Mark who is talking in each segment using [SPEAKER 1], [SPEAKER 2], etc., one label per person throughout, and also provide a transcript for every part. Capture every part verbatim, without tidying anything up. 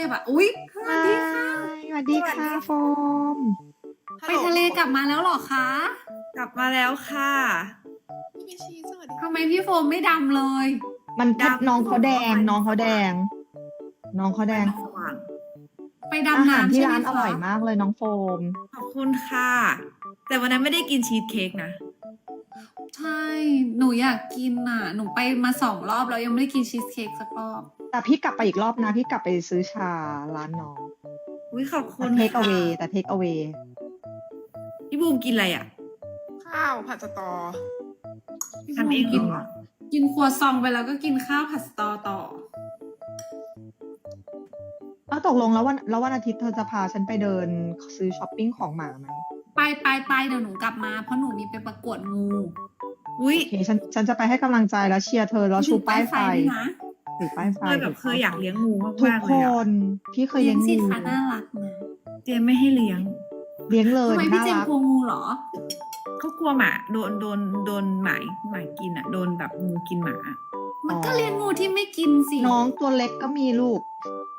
[SPEAKER 1] แบบอุ๊ยสวัสดีค่ะ
[SPEAKER 2] สวัสดีค่ะโฟม
[SPEAKER 1] ไปทะเลกลับมาแล้วเหรอคะ
[SPEAKER 3] กลับมาแล้วค่ะ
[SPEAKER 4] พี่ชีสวัสดี
[SPEAKER 1] ทำไมพี่โฟมไม่ดำเลย
[SPEAKER 2] มัน
[SPEAKER 3] ดำ
[SPEAKER 2] น้องเขาแดง น้องเขาแดง น้องเขาแดง
[SPEAKER 3] สว่าง
[SPEAKER 1] ไป
[SPEAKER 2] อา
[SPEAKER 1] ดำ
[SPEAKER 2] หาร
[SPEAKER 1] น้ำ
[SPEAKER 2] ที่
[SPEAKER 1] ใช่ไหม
[SPEAKER 2] ร้านอ
[SPEAKER 1] คะ
[SPEAKER 2] ร่อยมากเลยน้องโฟม
[SPEAKER 3] ขอบคุณค่ะ แต่วันนั้นไม่ได้กินชีสเค้กนะ
[SPEAKER 1] ใช่ หนูอยากกินอ่ะ หนูไปมาสองรอบแล้วยังไม่ได้กินชีสเค้กสักรอบ
[SPEAKER 2] แต่พี่กลับไปอีกรอบนะ พี่กลับไปซื้อชาร้านน้อง
[SPEAKER 3] อุ้ยขอบคุ
[SPEAKER 2] แต่
[SPEAKER 3] ณ
[SPEAKER 2] เทคเอา
[SPEAKER 3] ค่ะ
[SPEAKER 2] เวแต่เทคเอาเว
[SPEAKER 3] พี่บูมกินอะไรอ่ะ
[SPEAKER 4] ข้าวผัดสตอ
[SPEAKER 3] ทำเองกินเหรอ
[SPEAKER 1] กินครัวซองไปแล้วก็กินข้าวผัดสตอต่อ
[SPEAKER 2] เอาตกลงแล้ววันแล้ววันอาทิตย์เธอจะพาฉันไปเดินซื้อช้อปปิ้งของหมาไหม
[SPEAKER 1] ไปไปไปเดี๋ยวหนูกลับมาเพราะหนูมีไปประกวดงู
[SPEAKER 3] อุ้ย
[SPEAKER 2] โอเคฉันฉันจะไปให้กำลังใจแล้วเชียร์เธอแล้วชูป้ายไฟ
[SPEAKER 1] ด้วยนะ
[SPEAKER 2] ถือป้ายไฟ
[SPEAKER 3] เคยแบบเคยอยากเลี้ยงงู
[SPEAKER 2] ทุก
[SPEAKER 3] มากๆ
[SPEAKER 2] ค
[SPEAKER 3] เลยอะ
[SPEAKER 2] น พี่เคย
[SPEAKER 1] เลี้
[SPEAKER 2] เลี้
[SPEAKER 1] ย
[SPEAKER 2] ย
[SPEAKER 1] ง
[SPEAKER 2] ง
[SPEAKER 1] สิ
[SPEAKER 2] งู
[SPEAKER 1] คะน่ารักนะ
[SPEAKER 3] เจมไม่ให้เลี้ยง
[SPEAKER 2] เลี้ยงเลย
[SPEAKER 1] ทำไมพี่
[SPEAKER 2] น่า
[SPEAKER 1] เจม
[SPEAKER 2] รัก
[SPEAKER 1] กลัวงูเหรอ
[SPEAKER 3] เขากลัวหมาโดนโดนโดนหมาหมากินอ่ะ โดนแบบงูกินหมา
[SPEAKER 1] มันก็เลี้ยงงูที่ไม่กินสิ
[SPEAKER 2] น้องตัวเล็กก็มีลูก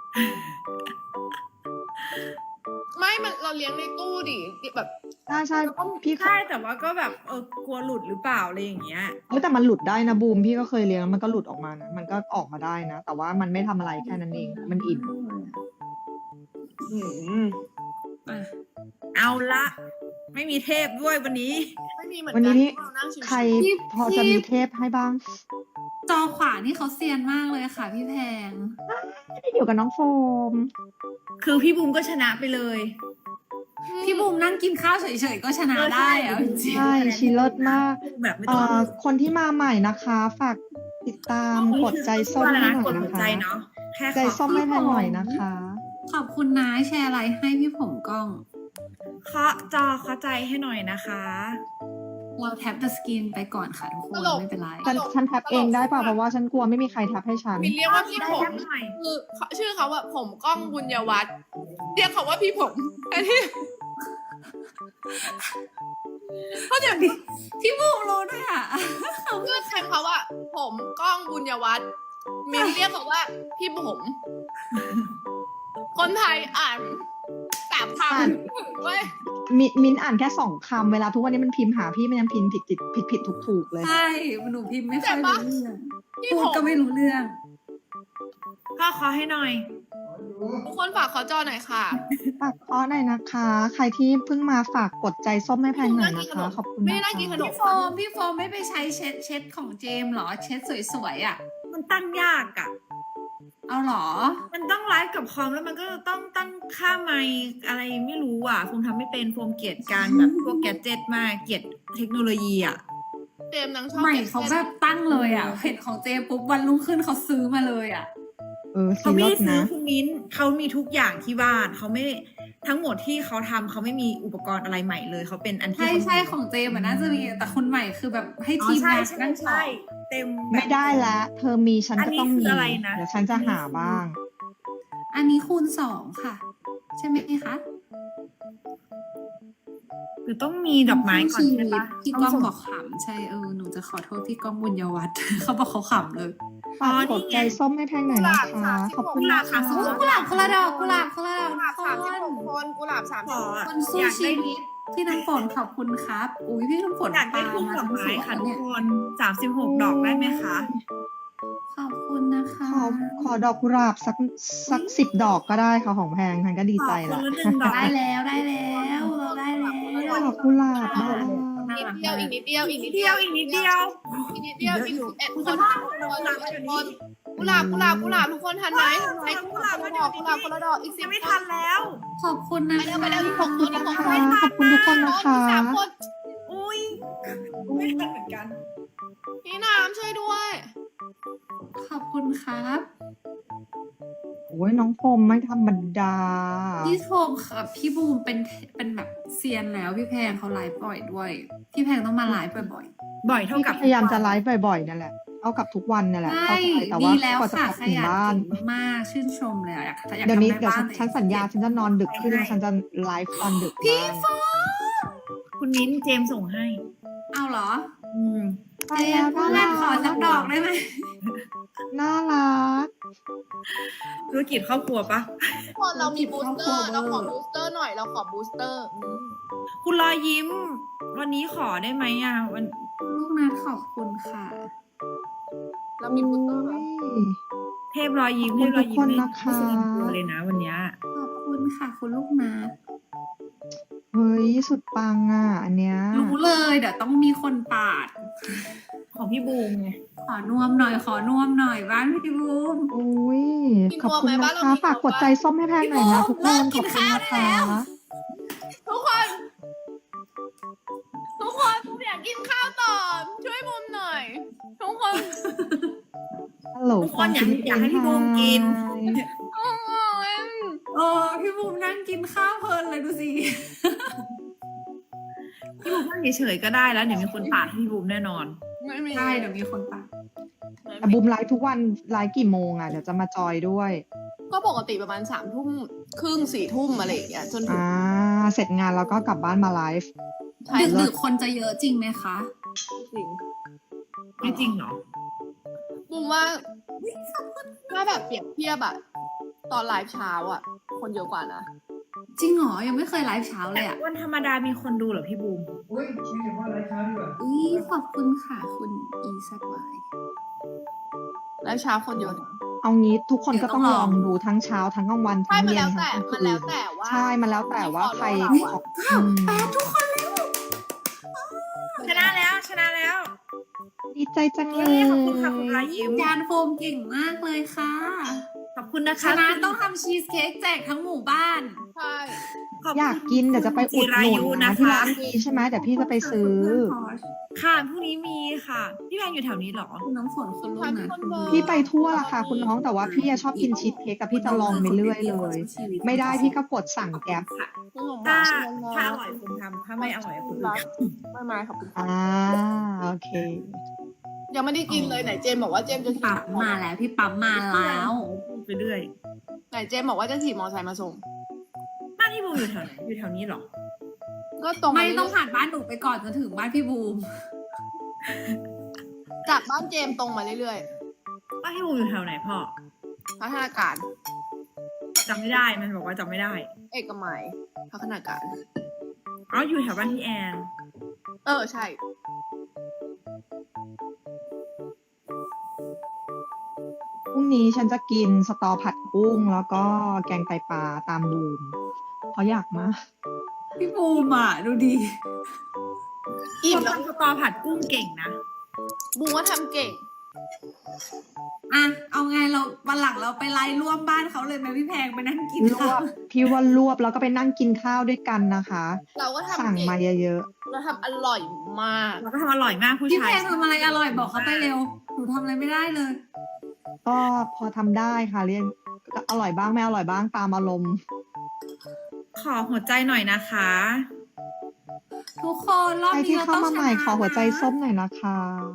[SPEAKER 4] ไม่มันเราเลี้ยงในตู้ดิแบบ
[SPEAKER 2] ใช่ใช่พี่เค
[SPEAKER 3] ใช่
[SPEAKER 2] ย
[SPEAKER 3] แต่ว่าก็แบบเออกลัวหลุดหรือเปล่าอะไรอย่างเงี้ย
[SPEAKER 2] เอ้ยแต่มันหลุดได้นะบูมพี่ก็เคยเลี้ยงแล้วมันก็หลุดออกมานะมันก็ออกมาได้นะ แต่ว่ามันไม่ทำอะไรแค่นั้นเอง มันอิ่ม
[SPEAKER 4] อืม
[SPEAKER 1] อ่ะ
[SPEAKER 3] เอาละ ไม่มีเทพด้วยวันนี้
[SPEAKER 4] ไม่มีเหมือน
[SPEAKER 2] วัน
[SPEAKER 4] กั
[SPEAKER 2] นี้
[SPEAKER 4] น
[SPEAKER 2] นี่
[SPEAKER 4] เรานั่งชิวๆ
[SPEAKER 2] ใครพอจะมีเทปให้บ้าง
[SPEAKER 1] จอขวานี่เขาเซียนมากเลยค่ะพี่แพง
[SPEAKER 2] ไม่ได้อยู่กับน้องโฟม
[SPEAKER 3] คือพี่บูมก็ชนะไปเลย
[SPEAKER 1] พี่บูมนั่งกินข้าวเฉยๆก็ชนะ
[SPEAKER 3] เออใช่
[SPEAKER 1] ได้อะจริง
[SPEAKER 2] ใช่ชีเลิศมาก
[SPEAKER 3] แบบไม่
[SPEAKER 2] เอ่
[SPEAKER 3] ต้อง
[SPEAKER 2] อคนที่มาใหม่นะคะ ฝากติดตามกดใจส้ม
[SPEAKER 3] ว่าอะไร
[SPEAKER 2] ให้
[SPEAKER 3] นะ
[SPEAKER 2] หน่
[SPEAKER 3] ก
[SPEAKER 2] อ
[SPEAKER 3] ด
[SPEAKER 2] ย
[SPEAKER 3] หัว
[SPEAKER 2] นะ
[SPEAKER 3] ใจ
[SPEAKER 2] คะ
[SPEAKER 3] เนาะแค่
[SPEAKER 2] ใจ
[SPEAKER 3] ขอ
[SPEAKER 2] ส้มให้แพนหน่อยนะคะ
[SPEAKER 1] ขอบคุณนะแชร์ไลน์ให้พี่ผมกล้อง
[SPEAKER 3] เคาะจอเคาะใจให้หน่อยนะคะ
[SPEAKER 1] เราแท็บ the screen ไปก่อนค่ะทุกคนไม่เป็นไร
[SPEAKER 2] ฉันฉันแท็บเองได้ป่ะเพราะว่าฉันกลัวไม่มีใครแท็บให้ฉัน
[SPEAKER 4] มีเรียกว่าพี่
[SPEAKER 3] ได้
[SPEAKER 4] ผม
[SPEAKER 3] แป๊บหน่อย
[SPEAKER 4] คือเขาชื่อเขาว่าผมกล้องบุญยวัฒน์เรียกเขาว่าพี่ผมอันนี้
[SPEAKER 1] เพราะเดี๋ยวนี้พี่บูมรู้ด้วยอ่ะ
[SPEAKER 4] เพื่อนแทนเขาว่า ผมกล้องบุญยวัฒน์มีเรียกเขาว่าพี่ผม คนไทยอ่านสามค
[SPEAKER 2] อ่าน
[SPEAKER 4] ำเว้ย
[SPEAKER 2] มิมินอ่านแค่สองคำเวลาทุกวันนี้มันพิมพ์หาพี่มันยังพิมพ์ผิดผิดผิดผิดถูกถูกๆเลย
[SPEAKER 1] ใช่หนูพิมพ์ไม่ค่อยรู้เรื่อง
[SPEAKER 4] พี่
[SPEAKER 1] พู
[SPEAKER 4] ผ
[SPEAKER 1] ด
[SPEAKER 4] ม
[SPEAKER 1] ก็ไม่รู้เรื่อง
[SPEAKER 3] ก็เคาะให้หน่อย
[SPEAKER 4] ทุกคนฝากขอจอหน่อยค่ะ
[SPEAKER 2] ฝากอ้อหน่อยนะคะ ใครที่เพิ่งมาฝากกดใจส้มให้แพนหน่อยนะคะ ขอบคุณ
[SPEAKER 4] ไม่
[SPEAKER 2] นะ
[SPEAKER 4] ได้
[SPEAKER 2] คะ
[SPEAKER 4] กินขนม
[SPEAKER 1] พี่โฟมพี่โฟมไม่ไปใช้เช็ดเช็ดของเจมส์เหรอ เช็ดสวยๆอ่ะ
[SPEAKER 3] มันตั้งยากอะ
[SPEAKER 1] เอาเหรอ
[SPEAKER 3] มันต้องไลฟ์กับคอมแล้วมันก็ต้องตั้งค่าไมค์อะไรไม่รู้อ่ะโฟมทำไม่เป็นโฟมเกลียดการแบบพวกแกดเจ็ตมากเกลียดเทคโนโลยีอ่ะ
[SPEAKER 4] เจมส์นางชอบ
[SPEAKER 1] ใหม่
[SPEAKER 4] ก็บ
[SPEAKER 1] เขาแบบตั้งเลยอ่ะ เห็นของเจมส์ปุ๊บวันรุ่งขึ้นเขาซื้อมาเลยอ่ะ
[SPEAKER 2] เออ
[SPEAKER 3] เขา
[SPEAKER 2] ซี
[SPEAKER 3] ไม่
[SPEAKER 2] ร
[SPEAKER 3] ได้
[SPEAKER 2] ส
[SPEAKER 3] ซื้อ
[SPEAKER 2] นะ
[SPEAKER 3] คุณมิ้นเขามีทุกอย่างที่บ้านเขาไม่ทั้งหมดที่เขาทำเขาไม่มีอุปกรณ์อะไรใหม่เลยเขาเป็นอันที่
[SPEAKER 1] ใช่
[SPEAKER 3] เขา
[SPEAKER 1] ใช่ของเจมส์อะน่าจะมีแต่คนใหม่คือแบบให้
[SPEAKER 3] อ๋อ
[SPEAKER 1] ทีม
[SPEAKER 3] ใช่
[SPEAKER 1] งาน
[SPEAKER 3] ใช่
[SPEAKER 1] นั่งสอ
[SPEAKER 3] ใช่
[SPEAKER 1] น
[SPEAKER 3] เต็มแบบ
[SPEAKER 2] ไม่ได้ละเธอมีฉัน
[SPEAKER 3] อัน
[SPEAKER 2] ก็
[SPEAKER 3] นี้
[SPEAKER 2] ต้อง
[SPEAKER 3] คือ
[SPEAKER 2] มี
[SPEAKER 3] อะไรนะ
[SPEAKER 2] เดี๋ยวฉันจะหาบ้าง
[SPEAKER 1] อันนี้คูณสองค่ะ ใช่ไหมคะ
[SPEAKER 3] หรือต้องมีดอกไม้ก่อนใช่ปะ
[SPEAKER 1] พี่ก้องบอกขำใช่เออหนูจะขอโทษพี่ก้องบุญยวัฒน์ เขาบอกเขาขำเลย
[SPEAKER 2] ฝากกดใจส้มให้แพนหน่อยนะคะ ขอบคุณนะคะ
[SPEAKER 1] โอ้กุหลาบคนละดอกกุหลาบคนละดอก
[SPEAKER 4] กุหลาบ
[SPEAKER 1] ทุ
[SPEAKER 4] สาม
[SPEAKER 1] ก
[SPEAKER 4] สิบ
[SPEAKER 1] ค
[SPEAKER 4] ห
[SPEAKER 1] น
[SPEAKER 4] กคนกุหลาบสาม
[SPEAKER 3] ข
[SPEAKER 4] สิบ
[SPEAKER 3] อ
[SPEAKER 4] หก
[SPEAKER 1] คนสู้
[SPEAKER 3] อยาก
[SPEAKER 1] ชี
[SPEAKER 3] ได้
[SPEAKER 1] วิตพี่น้ำฝนขอบคุณครับ อุ้ยพี่น้ำฝน
[SPEAKER 3] อยากได้
[SPEAKER 1] ป
[SPEAKER 3] ทุ่ง
[SPEAKER 1] มา
[SPEAKER 3] ดอก
[SPEAKER 1] ทั้งส
[SPEAKER 3] ไม้
[SPEAKER 1] วน
[SPEAKER 3] ค่ะทุ
[SPEAKER 1] เนี่
[SPEAKER 3] ก
[SPEAKER 1] ย
[SPEAKER 3] คนสามสิบหกดอกได้ไหมคะ
[SPEAKER 1] ขอบคุณนะคะ
[SPEAKER 2] ขอขอดอกกุหลาบสักสักสิบดอกก็ได้ค่ะของแพงฉันก็ดีใจ
[SPEAKER 3] ขอ
[SPEAKER 2] ละ
[SPEAKER 3] คนละหนึ่งดอก
[SPEAKER 1] ได้แล้วได้แล้วเราได้แล้ว
[SPEAKER 2] ดอกกุหลาบบ้า
[SPEAKER 4] นิดเดียวอีกนิดเดียวอีกนิด
[SPEAKER 3] เดี
[SPEAKER 4] เดี
[SPEAKER 3] ย
[SPEAKER 4] ยว ว
[SPEAKER 3] อีกนิดเดียว
[SPEAKER 4] อีกนิดเดียวอีกสิบเอ็ดคน
[SPEAKER 3] กุ
[SPEAKER 4] กุห
[SPEAKER 3] ห
[SPEAKER 4] ลา
[SPEAKER 3] ลา
[SPEAKER 4] บบ กุหลาบกุหลาบทุกคนทันไหมทันไหมกุหลาบคนละดอกกุหลาบคนละดอกอีกสิ
[SPEAKER 3] ยั
[SPEAKER 4] บ
[SPEAKER 3] งไม่ทันแล้ว
[SPEAKER 1] ขอบคุณนะ
[SPEAKER 4] ไปเร็ว
[SPEAKER 1] คะ
[SPEAKER 4] ไปเร็วอีกหกคนอีกหกคน
[SPEAKER 2] ขอบคุณทุกคนนะคะ
[SPEAKER 4] สามคน
[SPEAKER 3] อุ้ยไม่ทันเหมือนกัน
[SPEAKER 4] พี่น้ำช่วยด้วย
[SPEAKER 1] ขอบคุณครับ
[SPEAKER 2] โอ้ยน้องโฟมไม่ธรรมดา
[SPEAKER 1] พี่โฟมกับพี่บูมเป็นเป็นแบบเซียนแล้วพี่แพงเขาไลฟ์บ่อยด้วย พี่แพงต้องมาไลฟ์บ่อย
[SPEAKER 3] บ่อยเท่ากับ
[SPEAKER 2] พยายามจะไลฟ์บ่อยๆนั่นแหละ เอากับทุกวันนั่นแห
[SPEAKER 1] ๆ
[SPEAKER 2] ละ
[SPEAKER 1] ใช่
[SPEAKER 2] เข้าใจแต่
[SPEAKER 1] ดี
[SPEAKER 2] ว่า
[SPEAKER 1] แล้ว
[SPEAKER 2] กว่าจะ
[SPEAKER 1] ค่ะ
[SPEAKER 2] กลับ
[SPEAKER 1] ข
[SPEAKER 2] ถึง
[SPEAKER 1] ยัน
[SPEAKER 2] บ้าน
[SPEAKER 1] เก่งมากชื่นชมเลยอะอยากอยาก
[SPEAKER 2] เดี๋ยวนี้
[SPEAKER 1] ทำได้
[SPEAKER 2] เดี๋ยวฉัน
[SPEAKER 1] บ้าง
[SPEAKER 2] ฉันสัญญาฉันจะนอนดึกขึ้นแล้วฉันจะไลฟ์ตอนดึก
[SPEAKER 1] พี่
[SPEAKER 2] บ้าง
[SPEAKER 1] โฟม
[SPEAKER 3] คุณมิ้นเจมส์ส่งให้
[SPEAKER 1] เอาเหรอ
[SPEAKER 3] อืม
[SPEAKER 2] ไป
[SPEAKER 1] เจ
[SPEAKER 2] แล้ว
[SPEAKER 1] มส์เพื่อนขอสักดอกได้ไหม
[SPEAKER 2] น่ารัก
[SPEAKER 3] ธุรกิจครอบครัวปะ
[SPEAKER 4] ทุกคนเรามีบูสเตอร์ เราขอบูสเตอร์หน่อย เราขอบูสเตอร์
[SPEAKER 3] คุณรอยยิ้ม วันนี้ขอได้ไหมอ่ะวัน
[SPEAKER 1] ลูกนัดขอบคุณค่ะ
[SPEAKER 4] เรามีบูสเตอร์ไหม
[SPEAKER 3] เทพรอยยิ้ม
[SPEAKER 2] ขอบ
[SPEAKER 3] เท
[SPEAKER 2] คุณ
[SPEAKER 3] พรอยยิ้ม
[SPEAKER 2] ทุกคน
[SPEAKER 3] ไม่
[SPEAKER 2] นะคะ
[SPEAKER 3] ไม่แสดงตัวเลยนะวันเนี้ย
[SPEAKER 1] ขอบคุณค่ะ คุณลูกนัด
[SPEAKER 2] เฮ้ย สุดปังอ่ะ อันเนี้ย
[SPEAKER 1] รู้เลยเดี๋ยวต้องมีคนปาด
[SPEAKER 3] ของพี่บูมไง
[SPEAKER 1] ขอนวมหน่อย ขอนวมหน่อยบ้านพี่บูม
[SPEAKER 2] อุ้ย
[SPEAKER 4] กิน
[SPEAKER 2] ขอบ
[SPEAKER 4] นวม
[SPEAKER 2] คุณ
[SPEAKER 4] ไหม
[SPEAKER 2] นะ
[SPEAKER 4] บ้านเรา
[SPEAKER 2] คะ
[SPEAKER 4] มี
[SPEAKER 2] ฝากกดใจส้มให้แพงหน่อยนะทุกคน
[SPEAKER 1] เลิก
[SPEAKER 2] ข
[SPEAKER 1] กิ
[SPEAKER 2] อบ
[SPEAKER 1] น
[SPEAKER 2] คุณ
[SPEAKER 1] ข้าว
[SPEAKER 2] นะ
[SPEAKER 1] ได้
[SPEAKER 2] คะ
[SPEAKER 1] แล้ว
[SPEAKER 4] ทุกคน ทุกคนบูมอยากกินข้าวต่อ ช่วยบูมหน่อย ทุกคน
[SPEAKER 2] ฮัลโหล
[SPEAKER 3] ทุกคนอยากให้อยากให้พี่บูมกิน
[SPEAKER 1] เออพี่บูมนั่งกินข้าวเพลินเลยดูสิ
[SPEAKER 3] พี่บูมนั่งเฉยๆก็ได้แล้วเดี๋ยวมีคนปาดให้พี่บูมแน่นอน
[SPEAKER 4] ไม่มี
[SPEAKER 1] ใช่เดี๋ยวมีคนปาด
[SPEAKER 2] แต่บูมไลฟ์ทุกวันไลฟ์กี่โมงอ่ะ เดี๋ยวจะมาจอยด้วย
[SPEAKER 4] ก็ปกติประมาณสามทุ่มครึ่งสี่ทุ่มอะไรอย่างเงี้ยจนถึง
[SPEAKER 2] อ่า เสร็จงานแล้วก็กลับบ้านมาไลฟ์
[SPEAKER 4] ใช่
[SPEAKER 1] ดึก
[SPEAKER 2] เลิ
[SPEAKER 1] ดึ
[SPEAKER 2] ศ
[SPEAKER 1] กคนจะเยอะจริงไหมคะ
[SPEAKER 4] จริง
[SPEAKER 3] ไม่จริงเหรอ
[SPEAKER 4] บูมว่าถ้าแบบเปรียบเทียบอะตอนไลฟ์เช้าอะคนเยอะกว่านะ
[SPEAKER 1] จริงเหรอ ยังไม่เคยไลฟ์เช้าเลยอ่ะ
[SPEAKER 3] วันธรรมดามีคนดูเหรอพี่บูม
[SPEAKER 5] อุ้ยมีเฉพาะรายการด้วย
[SPEAKER 1] อุ้ยขอบคุณค่ะ คุณอีสักวาย
[SPEAKER 4] ไลฟ์เช้าคนเยอะนะ
[SPEAKER 2] เอางี้ทุกคนก็ต้อง
[SPEAKER 1] เดี๋
[SPEAKER 2] ล
[SPEAKER 1] ยวต้องล
[SPEAKER 2] อ
[SPEAKER 1] อง
[SPEAKER 2] งดูทั้งเช้าทั้งกลางวัน
[SPEAKER 4] ใช่
[SPEAKER 2] ทั้ง
[SPEAKER 4] มัน
[SPEAKER 2] เย็
[SPEAKER 4] แล้
[SPEAKER 2] น
[SPEAKER 4] วแต่
[SPEAKER 2] ทั้งกลาง
[SPEAKER 4] มัน
[SPEAKER 2] คื
[SPEAKER 4] แล้ว
[SPEAKER 2] น
[SPEAKER 4] แต่ว่า
[SPEAKER 2] ใช่ มันแล้วแต่ว่าใคร
[SPEAKER 4] ที่ follow เราอะ
[SPEAKER 2] อืม
[SPEAKER 1] แปดทุกคนเลย
[SPEAKER 3] ชนะแล้วชนะแล้ว
[SPEAKER 2] ดีใจจังเล
[SPEAKER 3] เย้
[SPEAKER 2] ย
[SPEAKER 3] ขอบคุณค่ะคุณรอยยิ้ม
[SPEAKER 1] จานโฟมเก่งมากเลยค่ะ
[SPEAKER 3] ขอบคุณนะ
[SPEAKER 1] ช
[SPEAKER 3] คะ
[SPEAKER 1] นะต้องทำชีสเค้กแจกทั้งหมู่บ้าน
[SPEAKER 4] ใช่
[SPEAKER 3] ขบคุณ
[SPEAKER 2] อยากกินเดี๋ยวจะไปอุดหนุน
[SPEAKER 3] จิรายุ
[SPEAKER 2] นะ
[SPEAKER 3] นะ
[SPEAKER 2] ที่
[SPEAKER 3] คะ
[SPEAKER 2] ร้านมีใช่ไหมเดี๋ยวพี่จะไปซื้อ
[SPEAKER 3] ค่ะพรุ่งนี้มีค่ะ พี่แพงอยู่แถวนี้เหรอ
[SPEAKER 1] คุณน้ำฝนคุณลูกนะคุณ
[SPEAKER 2] พี่ไปทั่วละค่ะคุณน้องแต่ว่าพี่อะชอบกินชีสเค้กกับพี่จะลองไปเรื่อยเลย ไม่ได้พี่ก็กดสั่งแก๊ป
[SPEAKER 3] ค่ะ
[SPEAKER 4] คุณสมบั
[SPEAKER 3] ถ้า
[SPEAKER 4] ติเชิญ
[SPEAKER 3] ถ้า
[SPEAKER 4] นะ
[SPEAKER 3] อร่อยคุณทำถ้าไม่อร่อยคุณ
[SPEAKER 4] รั
[SPEAKER 3] ท
[SPEAKER 4] กไม่ไม่ขอบคุณค่ะ
[SPEAKER 2] อ่าโอเค
[SPEAKER 4] ยังไม่ได้กินเลยไหนเจมบอกว่าเจมจะขี่
[SPEAKER 1] ปั๊มมาแล้วพี่ปั๊มมาแล้ว
[SPEAKER 3] ำไปเรื่อย
[SPEAKER 4] ไหนเจมบอกว่าจะขี่มอเตอร์ไซค์มาส่ง
[SPEAKER 3] บ้านพี่บูมอยู่แถวไหนอยู่แถวนี้เหรอ
[SPEAKER 4] ก็ตรง
[SPEAKER 1] ไม่
[SPEAKER 4] เรื่ยๆ
[SPEAKER 1] ต้องผ่านบ้านหนูไปก่อนจนถึงบ้านพี่บูม
[SPEAKER 4] จากบ้านเจมตรงมาเรื่อย
[SPEAKER 3] บ้านพี่บูมอยู่แถวไหนพ่อ
[SPEAKER 4] ๆพัฒนาการ
[SPEAKER 3] จำไม่ได้มันบอกว่าจำไม่ได้
[SPEAKER 4] เอกมัยพัฒนาการ
[SPEAKER 3] อ๋ออยู่แถวบ้านพี่แอน
[SPEAKER 4] เออใช่
[SPEAKER 2] พรุ่งนี้ฉันจะกินสตอผัดกุ้งแล้วก็แกงไตปลาตามบูมเพราะอยากมาก
[SPEAKER 1] พี่บูมอ่ะดูดี
[SPEAKER 4] อิ่ม
[SPEAKER 3] คน
[SPEAKER 4] แล้ว
[SPEAKER 3] ทำสตอผัดกุ้งเก่งนะ
[SPEAKER 4] บูว่าทำเก่ง
[SPEAKER 1] อ่ะเอาไงเราวันหลังเราไปไล่ร่วมบ้านเขาเลยไหมพี่แพงไปนั่งกิน
[SPEAKER 2] รว
[SPEAKER 1] ข้าว
[SPEAKER 2] บพี่ว่ารวบแล้วก็ไปนั่งกินข้าวด้วยกันนะคะ
[SPEAKER 4] เราก็
[SPEAKER 2] สั่ง
[SPEAKER 4] ทำเก่ง
[SPEAKER 2] มาเยอะ
[SPEAKER 4] เราทำอร่อยมาก
[SPEAKER 3] เราก็ทำอร่อยมากผู้
[SPEAKER 1] พี่
[SPEAKER 3] ชา
[SPEAKER 1] แพ
[SPEAKER 3] ย
[SPEAKER 1] งทำอะไรอร่อยบอกเขาไปเร็วหนูทำอะไรไม่ได้เลย
[SPEAKER 2] ๆ ก็พอทำได้ค่ะเรียนก็อร่อยบ้างไม่อร่อยบ้างตามอารมณ์
[SPEAKER 3] ขอหัวใจหน่อยนะคะ
[SPEAKER 1] ทุกคนรอบ
[SPEAKER 2] ใคร
[SPEAKER 1] นี้
[SPEAKER 2] ที่
[SPEAKER 1] เรา
[SPEAKER 2] เข้า
[SPEAKER 1] ต้อง
[SPEAKER 2] มา
[SPEAKER 1] ช
[SPEAKER 2] ใหม่
[SPEAKER 1] นะ
[SPEAKER 2] ขอหัวใจ
[SPEAKER 1] นะ
[SPEAKER 2] ส้มหน่อยนะคะ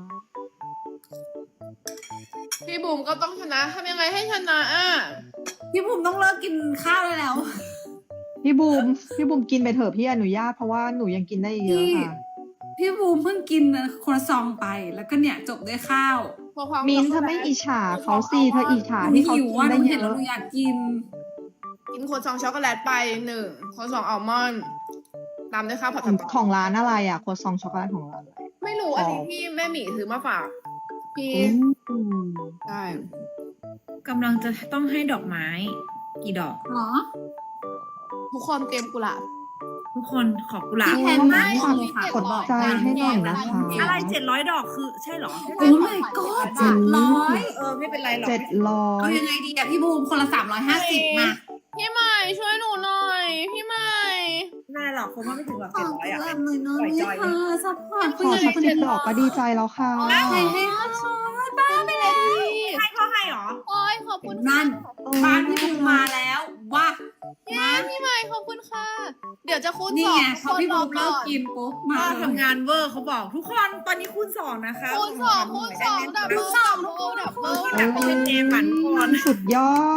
[SPEAKER 4] พี่บูมก็ต้องชนะทำยังไงให้ชนะอ่ะ
[SPEAKER 1] พี่บูมต้องเลิกกินข้าวได้แล้ว
[SPEAKER 2] พี่บูมพี่บูมกินไปเถอะพี่อนุญาตเพราะว่าหนูยังกินได้เยอะ
[SPEAKER 1] พี่
[SPEAKER 2] ค่ะ
[SPEAKER 1] พี่บูมเพิ่งกินครัวซองไปแล้วก็เนี่ยจบด้วยข้าว
[SPEAKER 4] พอความ
[SPEAKER 2] มินท์เธอไม่อิจฉาเขาสิเธออิจฉา
[SPEAKER 1] หนู
[SPEAKER 2] ที่เขา
[SPEAKER 1] หิว
[SPEAKER 2] กิน
[SPEAKER 1] ว่าห
[SPEAKER 2] ได้
[SPEAKER 1] นู
[SPEAKER 2] เย
[SPEAKER 1] เห็นแล้ว
[SPEAKER 2] อะ
[SPEAKER 1] หนูอยากกิน
[SPEAKER 4] กินโคซองช็อกโกแลตไปหนึ่งโคซองอัลมอนด์ตามด้วยข้าวผัด
[SPEAKER 2] ของ
[SPEAKER 4] สตอ
[SPEAKER 2] ของร้านอะไรอ่ะโคซองช็อกโกแลตของร้านอะไร
[SPEAKER 4] ไม่รู้อันนี้พี่แม่หมีซื้อมาฝาก พี่
[SPEAKER 2] อืม
[SPEAKER 4] ใช่
[SPEAKER 3] กำลังจะต้องให้ดอกไม้ กี่ดอก
[SPEAKER 1] หรอ
[SPEAKER 4] ทุกคนเตรียมกุหลาบ
[SPEAKER 3] ทุกคนขอบกุหลาบ
[SPEAKER 1] พี่แพนมาก
[SPEAKER 4] ขอ
[SPEAKER 1] เลยค่ะ
[SPEAKER 2] กดใจให้หน่อยนะคะ
[SPEAKER 3] อะไรเจ็ดร้อยดอกคือใช่เหรอ
[SPEAKER 1] โอ้ my god เจ็ดร้อย
[SPEAKER 3] เออไม่เป็นไรหรอก
[SPEAKER 2] เจ็ดร้อ
[SPEAKER 1] เอา
[SPEAKER 2] ย
[SPEAKER 1] ยังไงดีอะพี่บูมคนละสามร้อยห้าสิบมา
[SPEAKER 4] พี่ใหม่ช่วยหนูหน่อย พี่ใหม่
[SPEAKER 3] ไม่ได้หรอกคงว่าไม่ถึงหรอก
[SPEAKER 1] ข
[SPEAKER 3] เจ็
[SPEAKER 1] อ
[SPEAKER 3] ดร้อยอ่ะ
[SPEAKER 1] เกือบเลยเนาะ
[SPEAKER 3] ปล่อย
[SPEAKER 1] นี่
[SPEAKER 3] จอย
[SPEAKER 1] ค่ะซัพพอร์ต
[SPEAKER 2] ขอสักสิบดอกก็ดีใจแล้วค่ะ
[SPEAKER 1] ใครให้เขาช่วยบ้าไปเลย
[SPEAKER 3] ให้เขาให้เหรอ
[SPEAKER 4] โอ้ยขอบคุณ
[SPEAKER 1] นั่น บ้านพี่บูมมาแล้วว้า
[SPEAKER 4] เย้พี่ใหม่ขอบคุณค่ะ เดี๋ยวจะคูณ
[SPEAKER 1] นี่
[SPEAKER 4] สอง
[SPEAKER 1] ไงพอพี่บูมเลิก
[SPEAKER 4] น
[SPEAKER 1] กินปุ๊บมา
[SPEAKER 3] พ่อ
[SPEAKER 1] เลย
[SPEAKER 3] ทำงานเวอร์เขาบอกทุกคนตอนนี้คูณสองนะคะ
[SPEAKER 4] คูณสองคูณสองดับ
[SPEAKER 1] คู
[SPEAKER 4] เบิล
[SPEAKER 1] ณสอง
[SPEAKER 4] ดับเบิลดับเบิล
[SPEAKER 3] อยากเป็นเจมส์หมันก่อน
[SPEAKER 2] สุดยอด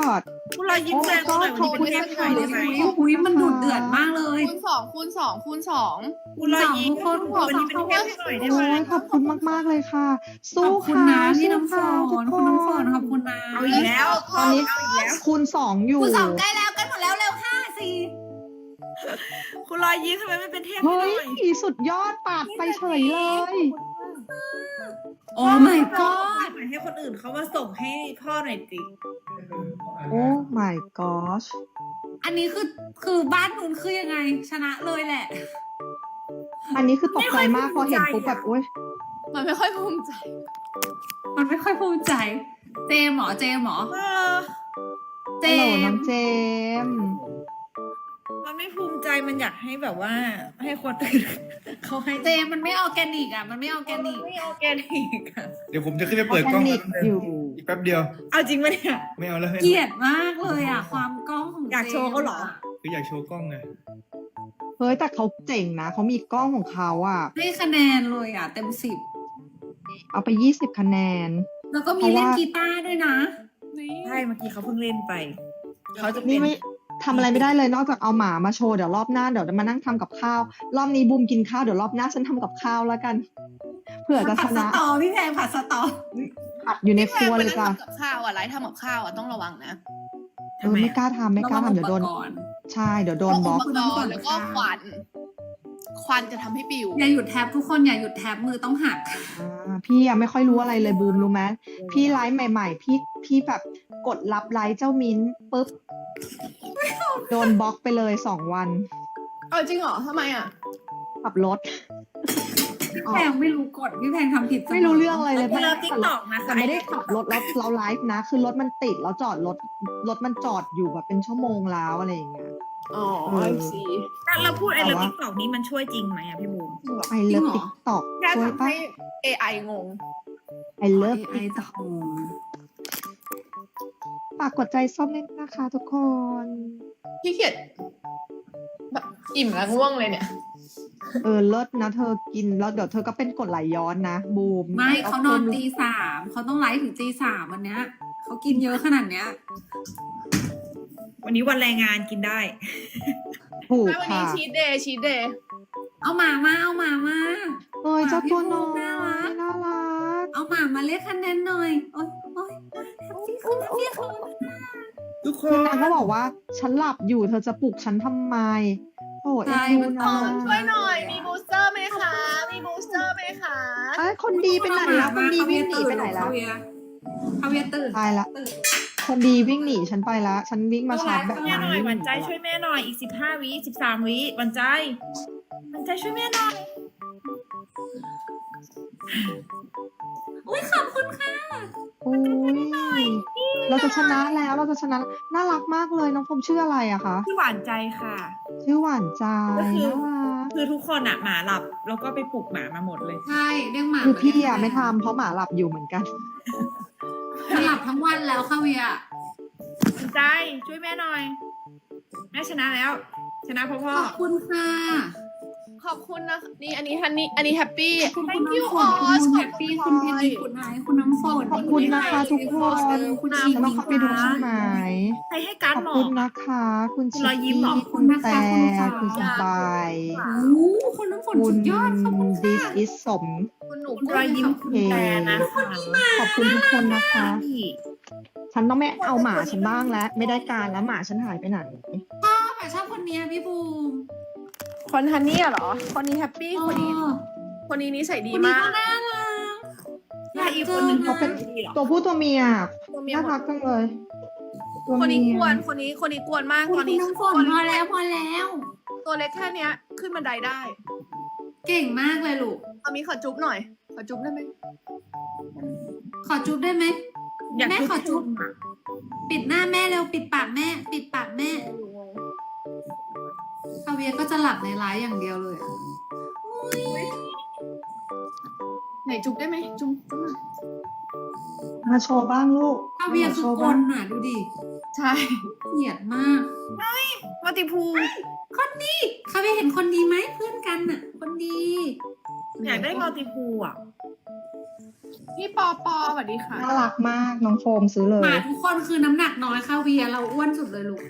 [SPEAKER 3] คุณรอยยิ้มแรงหน่อยวันนี้เป็นเทพหน่อยได้ไหม
[SPEAKER 1] อุ้ยมันดูเดือดมากเลย
[SPEAKER 4] คูณสองคูณสองคูณสอง
[SPEAKER 3] คุณรอยยิ้ม
[SPEAKER 1] ทุกคน
[SPEAKER 3] วันนี้เป็นเทพหน่อยได้
[SPEAKER 2] โอ้
[SPEAKER 3] ไหม
[SPEAKER 2] ยขอบคุณมากๆเลยค่ะ
[SPEAKER 1] ข
[SPEAKER 2] สู้
[SPEAKER 1] อบคุณ
[SPEAKER 2] ค่ะ
[SPEAKER 1] นะพี่น้ำฝ
[SPEAKER 2] สู้
[SPEAKER 1] น
[SPEAKER 2] ค่ะ
[SPEAKER 1] คุณน้ำฝนขอบคุณนะ
[SPEAKER 3] เอาอีกแล้ว
[SPEAKER 2] ตอนนี้
[SPEAKER 3] เอาอีกแล้ว
[SPEAKER 2] คูณสองอยู่
[SPEAKER 1] คุณสองใกล้แล้วใกล้หมดแล้วเร็วห้าสี่
[SPEAKER 3] คุณรอยยิ้มทำไมไม่เป็นเทพห
[SPEAKER 2] เฮ้
[SPEAKER 3] น่
[SPEAKER 2] ย
[SPEAKER 3] อย
[SPEAKER 2] สุดยอดปาดไปเฉยเลย
[SPEAKER 1] โอ้ my god
[SPEAKER 3] ให้คนอื่นเขามาส่งให้พ่อหน่อยสิ
[SPEAKER 2] โอ้ my gosh
[SPEAKER 1] อันนี้คือคือบ้านนู้นคือยังไง ชนะเลยแหละ
[SPEAKER 2] อันนี้คือตกใจมากพอเห็นปุ๊บแบบโอ๊ย
[SPEAKER 4] มันไม่ค่อยภูมิใจ
[SPEAKER 1] มันไม่ค่อยภูมิใจ เจมส์เหรอเจมส์เหรอ
[SPEAKER 3] เออ
[SPEAKER 1] เจ
[SPEAKER 2] ฮัลโหลน้
[SPEAKER 1] ม
[SPEAKER 2] อง
[SPEAKER 1] ส์
[SPEAKER 2] เจมส์
[SPEAKER 3] มันไม่ภูมิใจมันอยากให้แบบว่า ให้คนอื่นเขาให้
[SPEAKER 1] เจมส์มันไม่ออร์แกนิกอ่ะ มันไม่ออร์แกนิก
[SPEAKER 3] ไม่โอเคนิกอะ
[SPEAKER 5] เดี๋ยวผมจะขึ้นไปเปิด
[SPEAKER 2] แพ
[SPEAKER 5] กล้อง
[SPEAKER 2] นิกอยู่
[SPEAKER 5] อีกแป๊บเดียว
[SPEAKER 3] เอาจริงปะเนี่ย
[SPEAKER 5] ไม่เอาแล้วให้
[SPEAKER 1] เกลียดมากเลยอ่ะ ความกล้องของ
[SPEAKER 3] อยากโชว์เขาเหรอ
[SPEAKER 1] จมส์ะ
[SPEAKER 5] คืออยากโชว์กล้องไง
[SPEAKER 2] เฮ้ยแต่เขาเจ๋งนะเขามีกล้องของเขาอ่ะ
[SPEAKER 1] ให้คะแนนเลยอ่ะ เต็มสิบ
[SPEAKER 2] เอาไปยี่สิบคะแนน
[SPEAKER 1] แล้วก็มี
[SPEAKER 2] เพราะว่า
[SPEAKER 1] เล่นกีตาร์ด้วยนะ
[SPEAKER 4] นี่
[SPEAKER 3] ใช่เมื่อกี้เขาเพิ่งเล่นไป เขาจะเป็
[SPEAKER 2] นี่
[SPEAKER 3] น
[SPEAKER 2] ไม่ทำอะไรไม่ได้เลยนอกจากเอาหมามาโชว์เดี๋ยวรอบหน้าเดี๋ยวจะมานั่งทำกับข้าว รอบนี้บูมกินข้าวเดี๋ยวรอบหน้าฉันทำกับข้าวแล้วกัน เผื่อจะช
[SPEAKER 1] ผัดส
[SPEAKER 2] นะ
[SPEAKER 1] ตอพี่แพงผัดสตอ
[SPEAKER 2] ผัดอยู่ในครัว
[SPEAKER 4] ไป
[SPEAKER 2] เลย
[SPEAKER 4] นั่ง
[SPEAKER 2] จ้ะ
[SPEAKER 4] ทำกับข้าวอ่ะไลฟ์ทำกับข้าวอ่ะต้องระวังนะ
[SPEAKER 2] เออไม่กล้าทำไม่กล้าทำเดี๋ยวโดน
[SPEAKER 1] ระวังอุปกรณ์
[SPEAKER 2] ใช่เดี๋ยวโดนบล็อก
[SPEAKER 4] อุปกรณ์แล้วก็ควัน ควันจะทำให้ปิว
[SPEAKER 1] อย่าหยุดแท็บทุกคนอย่าหยุดแท็บมือต้องหัก
[SPEAKER 2] อ่าพี่ยังไม่ค่อยรู้อะไรเลยบูมรู้ไหมพี่ไลฟ์ใหม่ ๆ พี่พี่แบบกดรับไลฟ์เจ้ามิ้นปุ๊บโดนบล็อกไปเลยสองวัน
[SPEAKER 4] เอาจริงเหรอทำไมอ่ะ
[SPEAKER 2] ขับรถ
[SPEAKER 1] พี่แพงไม่รู้กฎพี่แพงทำผิดสม
[SPEAKER 2] ไม่รู้เรื่องอะไรเลย
[SPEAKER 3] เลิฟติ๊กตอกนะคะ
[SPEAKER 2] แต่ไม่ได้ขับรถแล้วเราไลฟ์นะ คือรถมันติดแล้วจอดรถรถมันจอดอยู่แบบเป็นชั่วโมงแล้วอะไรอย่างเงี้ย
[SPEAKER 4] อ๋อ
[SPEAKER 2] เออ
[SPEAKER 4] ไอซี
[SPEAKER 3] ถ้าเราพูดไอ้
[SPEAKER 2] แต่
[SPEAKER 3] เลิฟ
[SPEAKER 2] ว่า
[SPEAKER 3] ติ๊กตอกนี้มันช่วยจริงไหมอ่ะพี่บูม
[SPEAKER 2] ไอเลิฟติ๊กตอก
[SPEAKER 4] แค่
[SPEAKER 2] ช่วย
[SPEAKER 4] ทำ
[SPEAKER 2] ปะ
[SPEAKER 4] ให้ เอ ไอ งง
[SPEAKER 2] ไอเลิฟ
[SPEAKER 1] ไอจะโฮม
[SPEAKER 2] ฝากกดใจส้มนิดนะคะทุกคน
[SPEAKER 4] พี่เขียดแบบอิ่มแล้วง่วงเลยเนี่ย
[SPEAKER 2] เออเลิศนะเธอกินแล้วเดี๋ยวเธอก็เป็นกรดไหลย้อนนะบูม
[SPEAKER 1] ไม่เขานอน
[SPEAKER 2] พิ่ม
[SPEAKER 1] ตีสามเขาต้องไลฟ์ถึงตีสามวันเนี้ยเขากินเยอะขนาดเนี้ย
[SPEAKER 3] วันนี้วันแรงงานกินได้
[SPEAKER 2] ถูก
[SPEAKER 4] ไม่วันนี้
[SPEAKER 2] ค่ะ
[SPEAKER 4] ชีทเดย์ชีทเดย์
[SPEAKER 1] เอาหมามาเอาหมามา
[SPEAKER 2] เอ้ยเจ้าตัวน้อย
[SPEAKER 1] น่ารัก
[SPEAKER 2] น่ารัก
[SPEAKER 1] เอาหมามาเรียกคะแนนหน่อยโอ๊ยโอ๊ยแฮปปี้คุณแฮปปี้คุณ
[SPEAKER 5] ทุกค
[SPEAKER 2] คือน นางก็บอกว่าฉันหลับอยู่เธอจะปลุกฉันทำไมโอ้เอ็นดูนะ
[SPEAKER 4] ช่วยหน่อย มีบูสเตอร์ไหมคะ มีบูสเตอร์ไหมคะ
[SPEAKER 2] เอ้ยคนดีไปไหนแล้วคนดีวิ่งหนีไปไหนแล้ว
[SPEAKER 1] เขาเวียเขาเวียตื่น
[SPEAKER 2] ตายละ คนดีวิ่งหนีฉันไปละฉันวิ่งมาชาร์จแบต
[SPEAKER 3] แม่หน่อยหวันใจช่วยแม่หน่อยอีกสิบห้าวิสิบสามวิหวันใจหวันใจช่วยแม่หน่อย
[SPEAKER 1] อุ้ยขอบคุณค่ะ
[SPEAKER 2] โอ้ยเราจะชนะแล้วเราจะชนะน่ารักมากเลยน้องพรมชื่ออะไรอะคะ
[SPEAKER 3] ที่หวานใจค่ะ
[SPEAKER 2] ชื่อหวานใจ
[SPEAKER 3] ก็คือ
[SPEAKER 2] น่ารัก
[SPEAKER 3] คือทุกคนอ่ะหมาหลับ แล้วก็ไปปลุกหมามาหมดเลย
[SPEAKER 1] ใช่เรียกหมา
[SPEAKER 2] คือพี่อะไม่ทำเพราะหมาหลับอยู่เหมือนกัน
[SPEAKER 1] หลับทั้งวันแล้วค่ะเวีย
[SPEAKER 3] หวานใจช่วยแม่หน่อย แม่ชนะแล้ว ชนะพ่อพ่อ
[SPEAKER 1] ขอบคุณค่ะ
[SPEAKER 4] ขอบคุณนะ นี่อันนี้ฮันนี่ อันนี้แฮปปี้
[SPEAKER 1] ขอบคุณ
[SPEAKER 4] thank
[SPEAKER 1] คุณ
[SPEAKER 4] you
[SPEAKER 1] น้ำฝน
[SPEAKER 4] all
[SPEAKER 1] คุณแฮปปี้คุณเพนนีคุณไอซ์คุณน้ำฝน
[SPEAKER 2] ขอบคุณนะคะทุกคน
[SPEAKER 1] คุณชี
[SPEAKER 2] จะต้องเข้าไปดูใช่ไหม
[SPEAKER 3] ใครให้การ์ด
[SPEAKER 2] ขอบ
[SPEAKER 3] หมอ
[SPEAKER 2] คุณนะคะ คุณ
[SPEAKER 3] คุณ
[SPEAKER 2] ชิ
[SPEAKER 3] รอยยิ้ม
[SPEAKER 2] กี้
[SPEAKER 3] เหรอ
[SPEAKER 2] คุณแต่
[SPEAKER 1] ขอบคุณนะคะ
[SPEAKER 2] คุณสบาย
[SPEAKER 1] โอ้คุณน้ำฝน
[SPEAKER 2] คุ
[SPEAKER 1] สุ
[SPEAKER 2] ณ
[SPEAKER 1] ดยอดขอบคุณ
[SPEAKER 2] ดิ
[SPEAKER 1] ค่ะ
[SPEAKER 2] สอิสสม
[SPEAKER 4] คุณหนู
[SPEAKER 3] คุณรอยยิ้มคุณแต่นะคะ
[SPEAKER 2] ขอบคุณทุกคนนะคะ ฉันต้องไม่เอาหมาฉันบ้างแล้ว ไม่ได้การแล้วหมาฉันหายไปไหน
[SPEAKER 1] ชอบอะชอบคนเนี้ยพี่บูม
[SPEAKER 4] คนฮันนี่เหรอ คนนี้แฮปปี้ คนนี้
[SPEAKER 1] เออ
[SPEAKER 4] คนนี้นิสัยดี
[SPEAKER 1] คนนี้
[SPEAKER 4] มา
[SPEAKER 1] ก็
[SPEAKER 4] ก
[SPEAKER 1] น่ารัก
[SPEAKER 3] ถ้าอีกคนหนึ่ง
[SPEAKER 2] เขาเป็น
[SPEAKER 3] ดีเหรอ
[SPEAKER 2] ตัวผู้ตัวเมีย
[SPEAKER 4] ตัวเมีย
[SPEAKER 2] น่า
[SPEAKER 4] หม
[SPEAKER 2] รั
[SPEAKER 4] ด
[SPEAKER 2] กจังเลยตัว
[SPEAKER 4] คนนี้
[SPEAKER 2] เมีย
[SPEAKER 4] กวน คนนี้ คนนี้กวนมาก
[SPEAKER 1] คุณ
[SPEAKER 4] ตอนนี้
[SPEAKER 1] น้ำฝนพอแล้วพอแล้ว
[SPEAKER 4] ตัวเล็กแค่เนี้ย ขึ้นบันไดได้
[SPEAKER 1] เก่งมากเลยลูก
[SPEAKER 4] เอามีขอจุ๊บหน่อย ขอจุ๊บได้ไหม
[SPEAKER 1] ขอจุ๊บได้ไหม
[SPEAKER 3] อยาก
[SPEAKER 1] แม่ขอจุ๊บ
[SPEAKER 3] หมา
[SPEAKER 1] ปิดหน้าแม่เร็วปิดปากแม่ ปิดปากแม่คาเวียก็จะหลับในไลฟ์อย่างเดียวเลยอะ
[SPEAKER 4] ไหนจุ๊บได้ไหมจุ๊บจุ๊บหน่อย
[SPEAKER 2] มาโชว์บ้างลูก
[SPEAKER 1] คาเวียคื
[SPEAKER 2] โช
[SPEAKER 1] อ
[SPEAKER 2] ว์
[SPEAKER 1] ก
[SPEAKER 2] บ้าง
[SPEAKER 1] ลน่ะดูดิ
[SPEAKER 4] ใช่
[SPEAKER 1] เกลียดมาก
[SPEAKER 3] วัติภู
[SPEAKER 1] คนดีคาเวียเห็นคนดีไหมเพื่อนกันน่ะ คนดี
[SPEAKER 3] อยากได้มัลติพูลอ่ะ
[SPEAKER 1] พ
[SPEAKER 4] พี่ปอปอสวัสดีค่ะ
[SPEAKER 2] น่ารักมากน้องโฟมซื้อเล
[SPEAKER 1] หมาย ทุกคนคือน้ำหนักน้อยค่ะเวียเราอ้วนสุดเลยลูก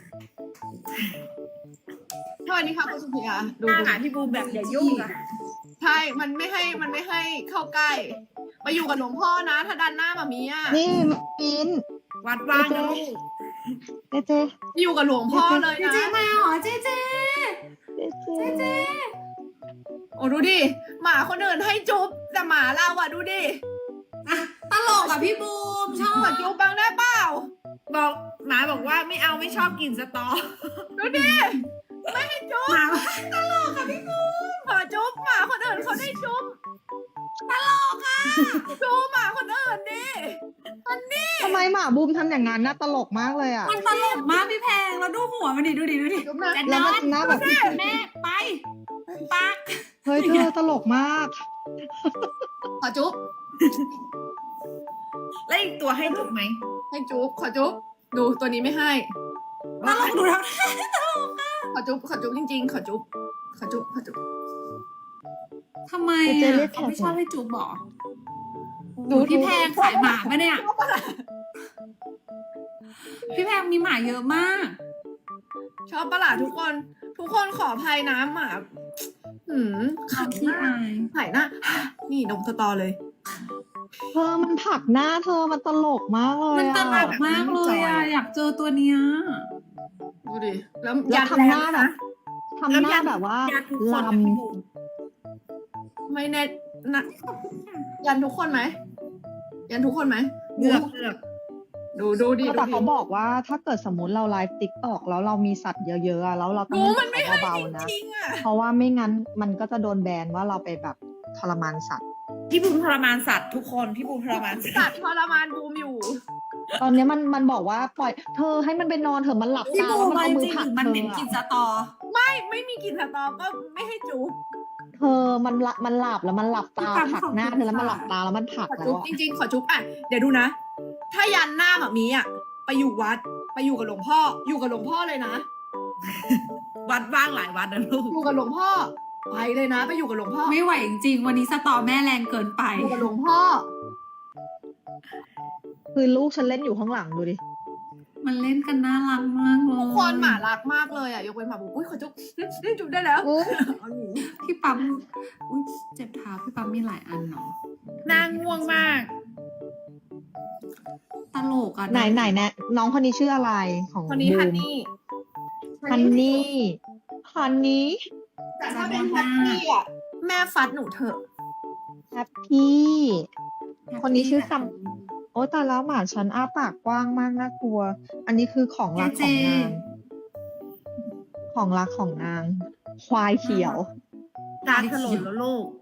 [SPEAKER 4] สวัสดีค่ะคุณสุพิยาดู
[SPEAKER 3] หน้า
[SPEAKER 4] ดู
[SPEAKER 3] หาพี่บูมแบบอย่ายุ่งอะ
[SPEAKER 4] ใช่มันไม่ให้มันไม่ให้เข้าใกล้มาอยู่กับหลวงพ่อนะ ถ้าดันหน้ามามีอ่ะ
[SPEAKER 2] นี่มิน
[SPEAKER 3] วัดว่างนะลูก
[SPEAKER 2] เจเจ
[SPEAKER 4] อยู่กับหลวงพ่อเลย
[SPEAKER 1] เจ
[SPEAKER 4] นะ
[SPEAKER 1] เจมาเหรอเจเจ
[SPEAKER 2] เจเจ
[SPEAKER 4] โอ้ดูดิหมาคนอื่นให้จุ๊บแต่หมาเราอ่ะดูดิ
[SPEAKER 1] อ่ะตลกอ่ะพี่บูมชอบ
[SPEAKER 4] ขอจุ๊บบ้างได้เปล่า
[SPEAKER 3] บอกหมาบอกว่าไม่เอาไม่ชอบกินสตอ
[SPEAKER 4] ดูดิไม่ให้จุ๊บ
[SPEAKER 1] หมา
[SPEAKER 4] ขอจุ๊บหมาคนอื่นเขาได้จุ๊บตลกอ่ะจุ๊บหมาคนอื่นดิ
[SPEAKER 2] ทำไมหมาบูมทำอย่างนั้นน่าตลกมากเลยอ่ะ
[SPEAKER 1] มันตลกมากพี่แพงแล้วดูหัวมันดิดูดิดูดิ
[SPEAKER 4] จุ๊บนะ
[SPEAKER 1] จะ
[SPEAKER 2] แล้
[SPEAKER 1] น
[SPEAKER 2] ว
[SPEAKER 1] อ
[SPEAKER 2] มัน นหน้าแบบ
[SPEAKER 1] แม่ไปปัก
[SPEAKER 2] เฮ้ยเธอตลกมาก
[SPEAKER 4] ขอจุ๊บ
[SPEAKER 3] แล้วอีกตัวให้จุกไหม
[SPEAKER 4] ให้จุ๊บขอจุ๊บดูตัวนี้ไม่ให้
[SPEAKER 1] ตลกดูทั้ง
[SPEAKER 4] ขอจุ๊บขอจุ๊บจริงๆ ขอจุ๊บขอจุ๊บขอจุ๊บ
[SPEAKER 1] ทำไม
[SPEAKER 2] เจ
[SPEAKER 1] อ่ะ
[SPEAKER 2] เรียกแขก
[SPEAKER 1] เขาไม่ชอบให้จูบหรอ
[SPEAKER 2] ดู
[SPEAKER 1] ดูพี่แพงขายหมาปะเนี่ย พี่แพงมีหมาเยอะมาก
[SPEAKER 4] ชอบปะล่ะทุกคน ทุกคนขออภัยนะหมาหืมขัง
[SPEAKER 1] ขี้
[SPEAKER 4] หน้า
[SPEAKER 1] อาย
[SPEAKER 4] หายหน้า นี่ดมสตอเลย
[SPEAKER 2] เธอมันผลักหน้าเธอมันตลกมากเลย
[SPEAKER 1] มัน
[SPEAKER 2] อะ
[SPEAKER 1] ตลกมากเลยอ่ะ อยากเจอตัวเนี้ย
[SPEAKER 4] ดูดิ แล้ว
[SPEAKER 2] แล้ว
[SPEAKER 4] ยัน
[SPEAKER 2] ทำหน้า
[SPEAKER 4] แรง
[SPEAKER 2] แบบทำหน้าแบบว่า
[SPEAKER 3] ยันทุกค
[SPEAKER 2] ล
[SPEAKER 3] นนะพี่บูม
[SPEAKER 4] ไม่แน่นะยันทุกคนไหม ยันทุกคนไหม
[SPEAKER 3] เลือกเลือก
[SPEAKER 4] ดูดูดิ
[SPEAKER 2] ำ
[SPEAKER 4] ดู
[SPEAKER 2] แต่
[SPEAKER 4] ดิ
[SPEAKER 2] เขาบอกว่าถ้าเกิดสมมติเราไลฟ์ติ๊กตอกแล้วเรามีสัตว์เยอะๆอะแล้วเราต้อ
[SPEAKER 4] ดู
[SPEAKER 2] ง
[SPEAKER 4] มันไม่ให้
[SPEAKER 2] เบา
[SPEAKER 4] จ
[SPEAKER 2] ๆนะ
[SPEAKER 4] ริงๆอ่ะ
[SPEAKER 2] เพราะว่าไม่งั้นมันก็จะโดนแบนว่าเราไปแบบทรมานสัตว์
[SPEAKER 3] พี่บูมทรมานสัตว์ทุกคนพี่บูมทรมานสั
[SPEAKER 4] สั
[SPEAKER 3] ต
[SPEAKER 4] ต
[SPEAKER 3] ว์
[SPEAKER 4] ว์ทรมานบูมอยู่
[SPEAKER 2] ตอนเนี้ยมันมันบอกว่าปล่อยเธอให้มันไปนอนเถอะมันหลับ
[SPEAKER 1] พี่
[SPEAKER 2] ตา
[SPEAKER 1] บู
[SPEAKER 2] แล้ว
[SPEAKER 1] ม
[SPEAKER 2] มัน
[SPEAKER 1] มัน
[SPEAKER 2] เอามือผลัก
[SPEAKER 1] จริงๆ
[SPEAKER 2] เธ
[SPEAKER 1] มัน
[SPEAKER 2] อ
[SPEAKER 1] เหม็นกลินส
[SPEAKER 2] อะ
[SPEAKER 1] ตอ
[SPEAKER 4] ไม่ไม่มีกลิ่นสตอก็ไม่ให้จุ๊บ
[SPEAKER 2] เธอมันละมันหลับแล้วมันหลับตาผลักหน้าเธอแล้วมันหลับตาแล้วมันผลัก
[SPEAKER 4] ขอ
[SPEAKER 2] แล้
[SPEAKER 4] จุ๊
[SPEAKER 2] ว
[SPEAKER 4] บ
[SPEAKER 2] อะ
[SPEAKER 4] จริงๆ ขอจุ๊บอ่ะ เดี๋ยวดูนะ ถ้ายันหน้าแบบนี้อ่ะ ไปอยู่วัด ไปอยู่กับหลวงพ่อ อยู่กับหลวงพ่อเลยนะ
[SPEAKER 3] วัดว่างหลายวัดนะลูก
[SPEAKER 4] อยู่กับหลวงพ่อ ไปเลยนะ ไปอยู่กับหลวงพ่อ
[SPEAKER 1] ไม่ไหวจริงๆ วันนี้สตอแม่แรงเกินไป
[SPEAKER 4] อยู่กับหลวงพ่อ
[SPEAKER 2] คือลูกฉันเล่นอยู่ข้างหลังดูดิ
[SPEAKER 1] มันเล่นกันน่ารักมากเลย
[SPEAKER 4] ทุกคนหมารักมากเลยอ่ะ ยกเว้นหมาบุกอุ้ยขอจุ๊บได้จุ๊บได้แล้ว เอาหนี
[SPEAKER 1] พี่ปั๊มอุ้ยเจ็บเท้าพี่ปั๊มมีหลายอันเนาะ
[SPEAKER 3] นางง่วงมาก
[SPEAKER 1] ตลกอ่ะ
[SPEAKER 2] ไหนไหนแนะน้องคนนี้ชื่ออะไรของ
[SPEAKER 4] คนนี้
[SPEAKER 2] บู
[SPEAKER 4] ฮัน
[SPEAKER 2] ม
[SPEAKER 4] นี่
[SPEAKER 2] ฮันนี่ฮันนี่
[SPEAKER 4] แต่ถ้าเป็นแฮปปี้อ่ะ แม่ฟัดหนูเถอะ
[SPEAKER 2] แฮปปี้คนนี้ชื่อคำโอ้แต่แล้วหมาฉันอ้าปากกว้างมากน่ากลัว อันนี้คือของรักของนาง ของรักของนาง ควายเขียว
[SPEAKER 3] ตาถลนแล้วลูก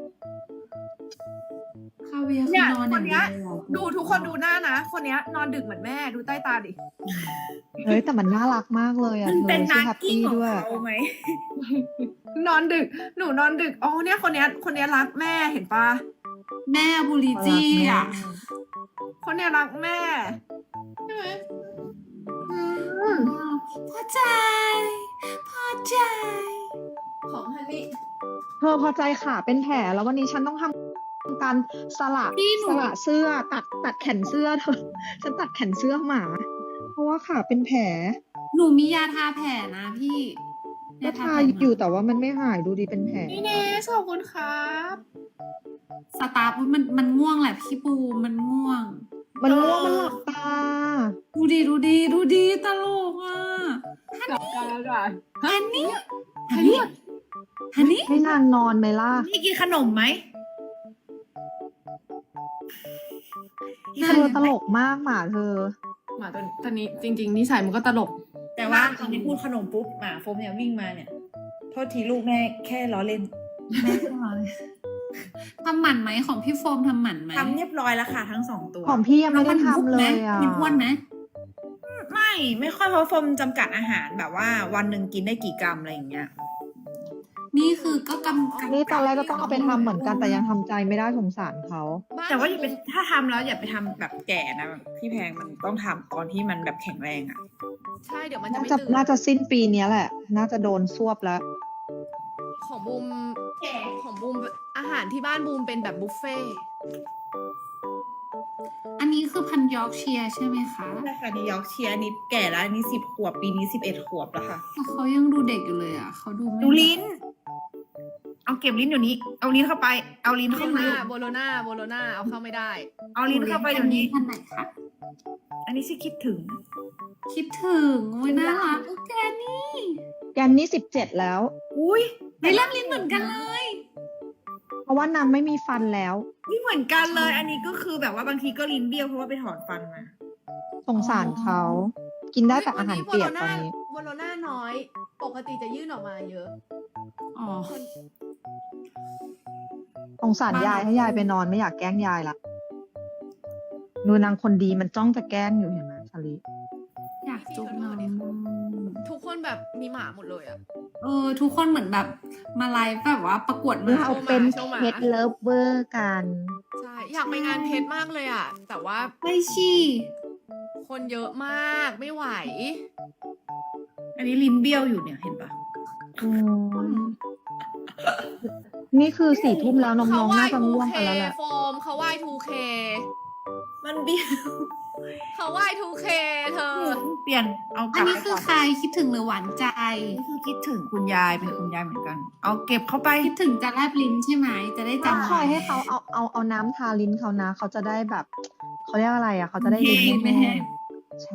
[SPEAKER 1] คาเวียร์คื
[SPEAKER 4] เนี่
[SPEAKER 1] อย นอนอย่างเดียว
[SPEAKER 4] คนเนี้ย ดูทุกคนดูหน้านะ คนเนี้ยนอนดึกเหมือนแม่ ดูใต้ตาดิ
[SPEAKER 2] เฮ้ยแต่มันน่ารักมากเลยอ่ะ
[SPEAKER 3] มัน
[SPEAKER 2] เธ
[SPEAKER 3] เป็น
[SPEAKER 2] อชื่
[SPEAKER 3] นา
[SPEAKER 2] อแฮป
[SPEAKER 3] กิ้ง
[SPEAKER 2] ปี้
[SPEAKER 3] ของ
[SPEAKER 2] ด้วย
[SPEAKER 3] เขาไหม
[SPEAKER 4] นอนดึก หนูนอนดึก อ๋อเนี่ยคนเนี้ย คนเนี้ยรักแม่เห็นปะ
[SPEAKER 1] แม่บุริจี้อ่ะ
[SPEAKER 4] คนเนี้ยรักแม่ใช่ไหมอืม
[SPEAKER 1] พอใจ พอใจ
[SPEAKER 4] ของฮันนี่
[SPEAKER 2] เธอพอใจขาเป็นแผลแล้ววันนี้ฉันต้องทำการสละ
[SPEAKER 1] พี่หนู
[SPEAKER 2] สละเสื้อตัดตัดแขนเสื้อเธอ ฉันตัดแขนเสื้อหมา เพราะว่าขาเป็นแผล
[SPEAKER 1] หนูมียาทาแผลนะพี่
[SPEAKER 2] ก็
[SPEAKER 1] ย
[SPEAKER 2] ทา
[SPEAKER 1] แผล
[SPEAKER 2] อยู่แต่ว่ามันไม่หายดูดีเป็นแผล
[SPEAKER 4] นี่เนสขอบคุณครับ
[SPEAKER 1] สตาร์ฟมันมันง่วงแหละพี่ปูมันง่วง
[SPEAKER 2] มันง่วงมันหลับตา
[SPEAKER 1] ดูดีดูดีดูดีตลกอ่ะ
[SPEAKER 4] กลับกันแล้วจ้ะ
[SPEAKER 1] ฮันนี่ฮันนี่ฮันนี่
[SPEAKER 2] ให้นางนอนไหมล่ะ
[SPEAKER 3] นี่กินขนมไหม
[SPEAKER 2] เธอตลกมากหมาเธอ
[SPEAKER 4] หมาตัวตัวนี้จริง ๆนิสัยมันก็ตลก
[SPEAKER 3] แต่ว่าตอนนี้พูดขนมปุ๊บหมาโฟมเนี่ยวิ่งมาเนี่ย โทษทีลูกแม่แค่ล้อเล่น
[SPEAKER 1] แม่ก็มาเลยทำหมันไหมของพี่โฟมทำหมันไหม
[SPEAKER 3] ทำเรียบร้อยแล้วค่ะทั้งสองตัว
[SPEAKER 2] ของพี่ยังไม่ได้ทำเลย
[SPEAKER 1] แว
[SPEAKER 2] อ่ะ
[SPEAKER 1] มันอ้วนไหม
[SPEAKER 3] ไม่ไม่ค่อยเพราะโฟมจำกัดอาหารแบบว่าวันหนึ่งกินได้กี่กรัมอะไรอย่างเงี้ย
[SPEAKER 1] นี่คือก็กำกับ
[SPEAKER 2] นี่ตอนแรกก็ต้องเอาไปทำเหมือนกันแต่ยังทำใจไม่ได้สงสารเขา
[SPEAKER 3] แต่ว่าอย่าไปถ้าทำแล้วอย่าไปทำแบบแก่นะแบบพี่แพงมันต้องทำตอนที่มันแบบแข็งแรงอ่ะ
[SPEAKER 4] ใช่เดี๋ยวมันจะ
[SPEAKER 2] น่า
[SPEAKER 4] ไม่
[SPEAKER 2] จะ
[SPEAKER 4] ตื่น
[SPEAKER 2] น่าจะสิ้นปีเนี้ยแหละ น่าจะโดนซวบแล้ว
[SPEAKER 4] ของบูมของบูมอาหารที่บ้านบูมเป็นแบบบุฟเฟ่ต์
[SPEAKER 1] อันนี้คือพันยอร์กเชียร์ใช่ไหมคะ
[SPEAKER 3] ใช่ค่ะนิวยอร์กเชียร์อันนี้แก่แล้วอันนี้สิบขวบปีนี้สิบเอ็ดขวบแล้วค่ะ
[SPEAKER 1] แต่เขายังดูเด็กอยู่เลยอ่ะเขาดูไม่
[SPEAKER 3] ดูลิ้น เอาเก็บลิ้นเดี๋ยวนี้ เอาลิ้นเข้าไป เอาลิ้น
[SPEAKER 4] โบ
[SPEAKER 3] เข้า
[SPEAKER 4] โล
[SPEAKER 3] มา
[SPEAKER 4] นาโบโลนาโบโลนาเอาเข้าไม่ได้
[SPEAKER 3] เอาลิ้นเข้าไปเดี๋ยวนี้
[SPEAKER 1] พันไหนคะ
[SPEAKER 3] อันนี้ชื่อคิดถึง
[SPEAKER 1] คิดถึงโอ้ยน่ารักโอเคนี่
[SPEAKER 2] แกนนี่สิบเจ็ดแล้ว
[SPEAKER 3] อุ้ย
[SPEAKER 1] ในแลบลิ้นเหมือนกันเลย
[SPEAKER 2] เพราะว่านางไม่มีฟันแล้ว
[SPEAKER 3] นี่เหมือนกันเลย อันนี้ก็คือแบบว่าบางทีก็ลิ้นเบี้ยวเพราะว่าไปถอนฟันมา
[SPEAKER 2] สงสารเขา กินได้แต่อาหารเปียกตอนนี้
[SPEAKER 4] โบโลนาน้อย ปกติจะยื่นออกมาเยอะ
[SPEAKER 1] อ๋อ
[SPEAKER 2] สงสารยายให้ยายไปนอนไม่อยากแกล้งยายละดูนางคนดีมันจ้องจะแกล้งอยู่เห็นไหมชาลี
[SPEAKER 1] อยากจุ๊บน้อง
[SPEAKER 4] ทุกคนแบบมีหมาหมดเลยอะ
[SPEAKER 1] เออ ทุกคนเหมือนแบบมาไลฟ์แบบว่าประกวดหมา
[SPEAKER 2] เราเป็น
[SPEAKER 4] โชว์หมา
[SPEAKER 2] เพชรเลิฟเวอร์กัน
[SPEAKER 4] ใช่ อยากไปงานเพชรมากเลยอะแต่ว่า
[SPEAKER 1] ไม่ชี่
[SPEAKER 4] คนเยอะมากไม่ไหว
[SPEAKER 3] อันนี้ลิ้นเบี้ยวอยู่เนี่ยเห็นปะ
[SPEAKER 2] อืมนี่คือสี่ทุ่มแล้วน้
[SPEAKER 4] เขา
[SPEAKER 2] องๆ
[SPEAKER 4] ไหว้
[SPEAKER 2] น่าจะง่วง
[SPEAKER 4] ทูเค
[SPEAKER 2] กันแล้วแหละ
[SPEAKER 4] โฟมเขาไหว้ ทูเค
[SPEAKER 3] มันเบี้ยว
[SPEAKER 4] เขาไหว้ ทูเค เธอ
[SPEAKER 3] เปลี่ยน เอาก
[SPEAKER 1] อั
[SPEAKER 3] ลั
[SPEAKER 1] น
[SPEAKER 3] บ
[SPEAKER 1] นี้
[SPEAKER 3] ไป
[SPEAKER 1] คือ
[SPEAKER 3] ก่อน
[SPEAKER 1] ใครคิดถึงหรือหวานใจ
[SPEAKER 3] อันนี้คือคิดถึงคุณยายเป็นคุณยายเหมือนกัน เอาเก็บเข้าไป
[SPEAKER 1] คิดถึงจะแลบลิ้นใช่ไหม จะได้
[SPEAKER 2] ต้อง
[SPEAKER 1] จำ
[SPEAKER 2] คอยให้เขาเอาเอาเอาน้ำทาลิ้นเขานะ เขาจะได้แบบ เขาเรียกอะไรอ่ะ เขาจะได้ลิ้น
[SPEAKER 1] ไม่
[SPEAKER 2] ไม่
[SPEAKER 1] แห้
[SPEAKER 2] แห้
[SPEAKER 1] ง
[SPEAKER 2] งใช่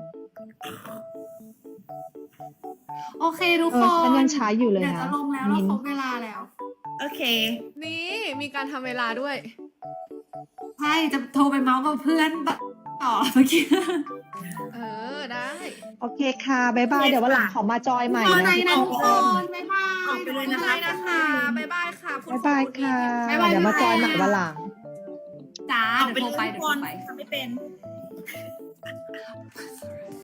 [SPEAKER 1] โอเคทุก
[SPEAKER 2] เอ
[SPEAKER 1] ค
[SPEAKER 2] อน ฉันยังใช้อยู่เลย
[SPEAKER 1] เดี๋ยว
[SPEAKER 2] นะ
[SPEAKER 1] จะลงแล้วเรา
[SPEAKER 2] มิ้น
[SPEAKER 1] ครบเวลาแล้ว
[SPEAKER 3] โอเค
[SPEAKER 4] นี่มีการทำเวลาด้วย
[SPEAKER 1] ใช่ จะโทรไปเมาส์กับเพื่อนต่อเมื่อกี้
[SPEAKER 4] เออ ได้
[SPEAKER 2] โอเคค่ะ บ๊ายบาย เดี๋ยววันหลังขอมาจอยใหม่
[SPEAKER 1] ขอ
[SPEAKER 2] นะ
[SPEAKER 1] ใจ
[SPEAKER 2] ทุก
[SPEAKER 1] นะทุก
[SPEAKER 2] ค
[SPEAKER 1] คน น บ๊ายบาย
[SPEAKER 3] ออกไปเลย
[SPEAKER 4] บ๊าย
[SPEAKER 3] นะ
[SPEAKER 4] บายนะคะ บ๊ายบายค่ะคุณ
[SPEAKER 2] บ๊ายบายค่ะ
[SPEAKER 1] บ๊ายบาย
[SPEAKER 2] เดี๋ยวมาจอยใหม่วันหลัง
[SPEAKER 1] จ้า
[SPEAKER 3] ออก
[SPEAKER 1] เดี๋ยว
[SPEAKER 3] ไป
[SPEAKER 1] โท
[SPEAKER 3] เล
[SPEAKER 1] ร
[SPEAKER 3] ย
[SPEAKER 1] ไป
[SPEAKER 3] ทุก
[SPEAKER 1] เดี๋ยว
[SPEAKER 3] ค
[SPEAKER 1] โทร
[SPEAKER 3] น
[SPEAKER 1] ไป
[SPEAKER 3] ทำไม่เป็น